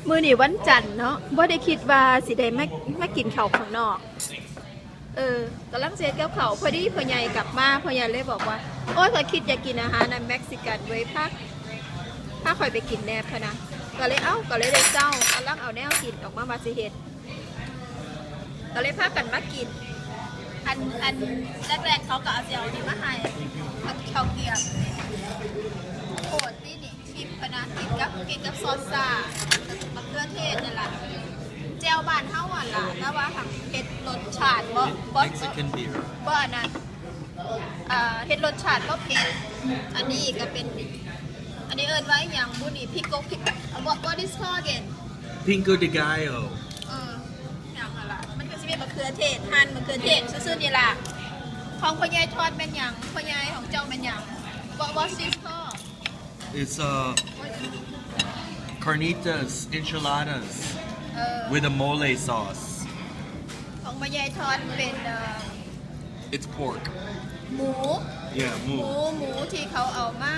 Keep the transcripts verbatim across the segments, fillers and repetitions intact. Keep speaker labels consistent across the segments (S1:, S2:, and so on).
S1: มื้อนี้วันจันทร์เนาะบ่ได้คิดว่าสิได้มามากินข้าวข้างนอกเออกำลังเซตกับเขาพอดีพ่อใหญ่กลับมาพ่อใหญ่เลยบอกว่าโอ้ยข้อยคิดอยากกินอาหารในเม็กซิกันไว้พักถ้าข่อยไปกินแนบพะนะก็เลยเอ้าก็เลยได้เจ้ากำลังเอาแนวกินออกมาบาสิเฮ็ดก็เลยพากันมากินอันอันแรกๆเขาก็เอาเจียวนี่มาให้ข้าวเกี๊ยวโคตรที่นี่ชิมพะนะกินกับกินกับซอสซ่ามะเขือเทศนี่แหละเจียวบ้านเฮาอ่ะล่ะแต่ว่าทางเฮ็ดรสชาติบ่บ่
S2: Mexican beer
S1: บ่อันนั้นอ่าเฮ็ดรสชาติบ่เผ็ดอันนี้ก็เป็นอันนี้เอิ้นว่าหยังบุนี่พิกโกพิก what what is called again
S2: Pinco de Gallo
S1: เออหยังอะล่ะมันก็สิเป็นมะเขือเทศหั่นมะเขือเทศซื่อๆนี่ล่ะของพ่อใหญ่ทอดแม่นหยังพ่อใหญ่ของเจ้าแม่นหยัง what what is called
S2: It's uh carnitas enchiladas
S1: เออ
S2: with a mole sauce
S1: ของพ่อใหญ่ทอดเป็นเอ่อ
S2: It's pork
S1: หมู
S2: Yeah
S1: หมู
S2: moo
S1: หมูที่เขาเอามา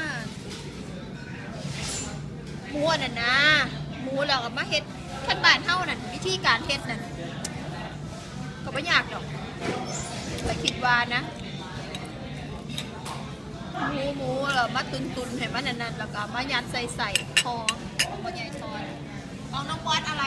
S1: หมูน่ะนะหมูเราเอามาเฮ็ดขั้นบ้านเฮานั่นวิธีการเฮ็ดนั่นก็ไม่ยากดอกแต่คิดว่านะหมูหมูเรามาตุนตุนให้มันนั่นๆแล้วก็มายัดใส่ใส่คอของพ่อใหญ่ทอดของน้องวัดอะไร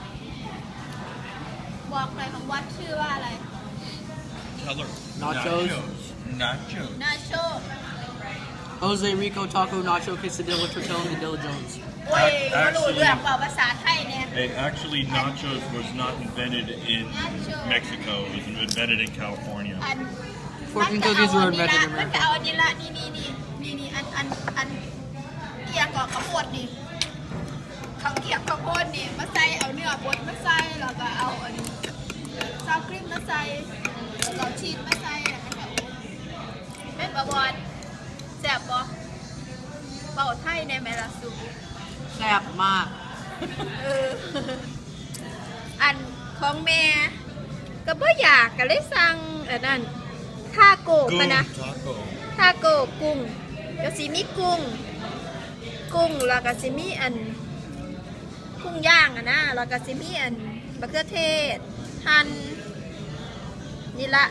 S1: บอกหน่อยของวัดชื่อว่าอะไร
S2: Color
S3: Nachos.
S2: Nachos
S1: นาโช
S3: Jose Rico Taco Nacho Quesadilla Tortilla and Dilla Jones.
S1: โอ้ยเขารู้เรื่องเปล่าภาษาไทยเนี่ย
S4: Hey, actually, nachos was not invented in
S1: Nacho.
S4: Mexico. It was invented in California.
S1: อัน
S3: Fortune cookies were
S1: มัน
S3: invented in
S1: มันก็
S3: America.
S1: เอาอันนี้ละนี่นี่นี่นี่นี่อันอันอันเกียกกับข้าวโพดนี่เขาเกียกข้าวโพดนี่มาใส่เอาเนื้อบดมาใส่แล้วก็เอาอันซาวครีมมาใส่แล้วก็ชีสมาใส่แล้วก็เป็นบะบอนแซ่บบ่เบาไทยในแมลาซู
S3: แซ่บมาก
S1: เอออันของแม่ก็บ่อยากก็เลยสั่งอันนั้นทาโกะมานะ
S2: taco
S1: ทาโกะกุ้งก็สิมีกุ้ง กุ้งแล้วก็สิมีอันกุ้งย่างอะนะแล้วก็สิมีอันมะเขือเทศหั่นนี่ละ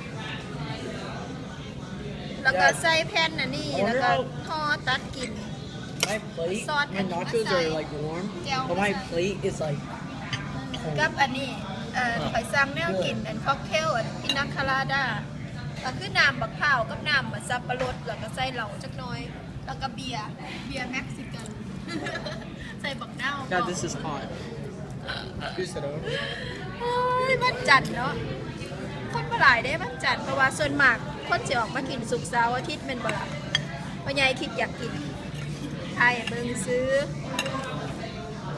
S1: แล้วก็ใส่แผ่นอันนี้แล้วก็ทอดตัดกิน
S3: My plate,
S1: Salt
S3: my
S1: and
S3: nachos
S1: masala.
S3: are like warm,
S1: Gel
S3: but my
S1: masala.
S3: plate is like
S1: กับอันนี้เอ่อไปสั่งแนวกินอันค็อกเทลอันพินาคาราดาก็คือน้ำบักพร้าวกับน้ำบักสับปะรดแล้วก็ใส่เหล้าจักหน่อย แล้วก็เบียร์เบียร์เม็กซิกัน ใส่บักนาว
S3: God, this is hot.
S1: โอ้ยมันจันทร์เนาะคนมาหลายได้มันจันทร์เพราะว่าส่วนมากคนสิออกมากินสุกร์เสาร์อาทิตย์เป็นบ่ล่ะพ่อใหญ่คิดอยากกินไทยเบิ่งซื้อ